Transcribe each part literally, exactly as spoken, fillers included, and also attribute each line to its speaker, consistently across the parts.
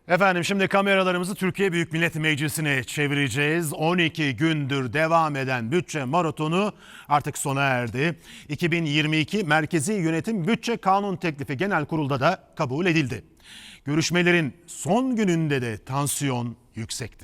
Speaker 1: Efendim şimdi kameralarımızı Türkiye Büyük Millet Meclisi'ne çevireceğiz. on iki gündür devam eden bütçe maratonu artık sona erdi. iki bin yirmi iki Merkezi Yönetim Bütçe Kanun Teklifi Genel Kurul'da da kabul edildi. Görüşmelerin son gününde de tansiyon yüksekti.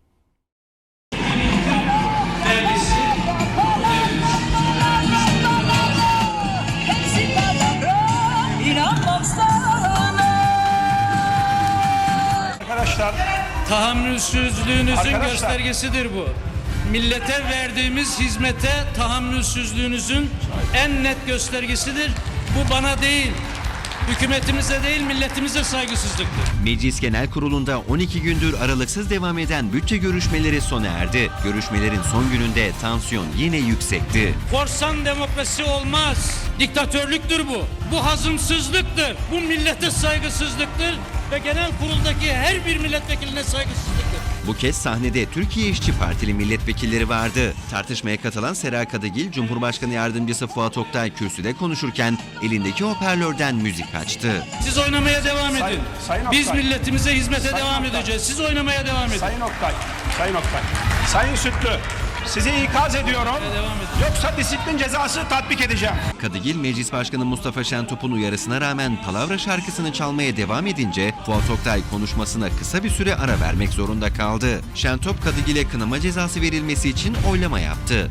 Speaker 2: Arkadaşlar,
Speaker 3: tahammülsüzlüğünüzün
Speaker 2: Arkadaşlar.
Speaker 3: göstergesidir bu. Millete verdiğimiz hizmete tahammülsüzlüğünüzün en net göstergesidir. Bu bana değil, hükümetimize değil, milletimize saygısızlıktır.
Speaker 4: Meclis Genel Kurulu'nda on iki gündür aralıksız devam eden bütçe görüşmeleri sona erdi. Görüşmelerin son gününde tansiyon yine yüksekti.
Speaker 3: Korsan demokrasi olmaz. Diktatörlüktür bu. Bu hazımsızlıktır. Bu millete saygısızlıktır ve genel kuruldaki her bir milletvekiline saygısızlıktır.
Speaker 4: Bu kez sahnede Türkiye İşçi Partili milletvekilleri vardı. Tartışmaya katılan Sera Kadıgil, Cumhurbaşkanı Yardımcısı Fuat Oktay kürsüde konuşurken elindeki hoparlörden müzik açtı.
Speaker 3: Siz oynamaya devam edin.
Speaker 2: Sayın- Sayın
Speaker 3: Biz
Speaker 2: Oktay.
Speaker 3: milletimize hizmete
Speaker 2: Sayın
Speaker 3: devam
Speaker 2: Oktay.
Speaker 3: edeceğiz. Siz oynamaya devam edin.
Speaker 2: Sayın Oktay, Sayın Oktay, Sayın Sütlü, sizi ikaz ediyorum.
Speaker 3: Devam edin.
Speaker 2: Yoksa disiplin cezası tatbik edeceğim.
Speaker 4: Kadıgil, Meclis Başkanı Mustafa Şentop'un uyarısına rağmen Palavra şarkısını çalmaya devam edince Fuat Oktay konuşmasına kısa bir süre ara vermek zorunda kaldı. Şentop, Kadıgil'e kınama cezası verilmesi için oylama yaptı.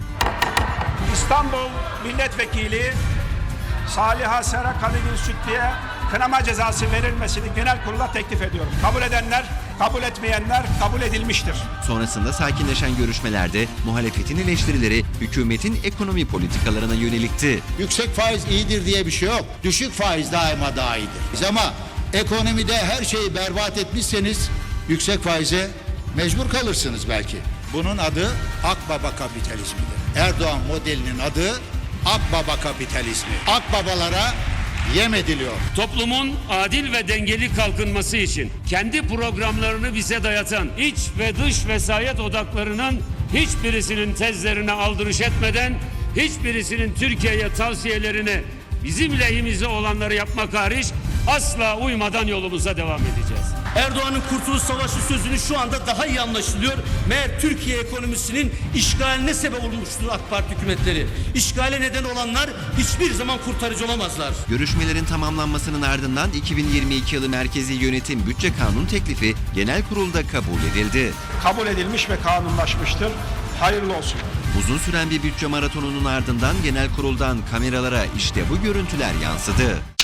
Speaker 2: İstanbul Milletvekili Saliha Sera Kadıgil Sütlü'ye kınama cezası verilmesini genel kurula teklif ediyorum. Kabul edenler, kabul etmeyenler kabul edilmiştir.
Speaker 4: Sonrasında sakinleşen görüşmelerde muhalefetin eleştirileri hükümetin ekonomi politikalarına yönelikti.
Speaker 5: Yüksek faiz iyidir diye bir şey yok. Düşük faiz daima daha iyidir. Biz ama ekonomide her şeyi berbat etmişseniz yüksek faize mecbur kalırsınız belki. Bunun adı Akbaba kapitalizmidir. Erdoğan modelinin adı Akbaba kapitalizmi. Akbabalara yem ediliyor.
Speaker 6: Toplumun adil ve dengeli kalkınması için kendi programlarını bize dayatan iç ve dış vesayet odaklarının hiçbirisinin tezlerine aldırış etmeden, hiçbirisinin Türkiye'ye tavsiyelerini bizim lehimize olanları yapmak hariç asla uymadan yolumuza devam edeceğiz.
Speaker 7: Erdoğan'ın Kurtuluş Savaşı sözünü şu anda daha iyi anlaşılıyor. Meğer Türkiye ekonomisinin işgaline sebep olmuştur AK Parti hükümetleri. İşgale neden olanlar hiçbir zaman kurtarıcı olamazlar.
Speaker 4: Görüşmelerin tamamlanmasının ardından iki bin yirmi iki yılı Merkezi Yönetim Bütçe Kanun Teklifi Genel Kurul'da kabul edildi.
Speaker 2: Kabul edilmiş ve kanunlaşmıştır. Hayırlı olsun.
Speaker 4: Uzun süren bir bütçe maratonunun ardından Genel Kurul'dan kameralara işte bu görüntüler yansıdı.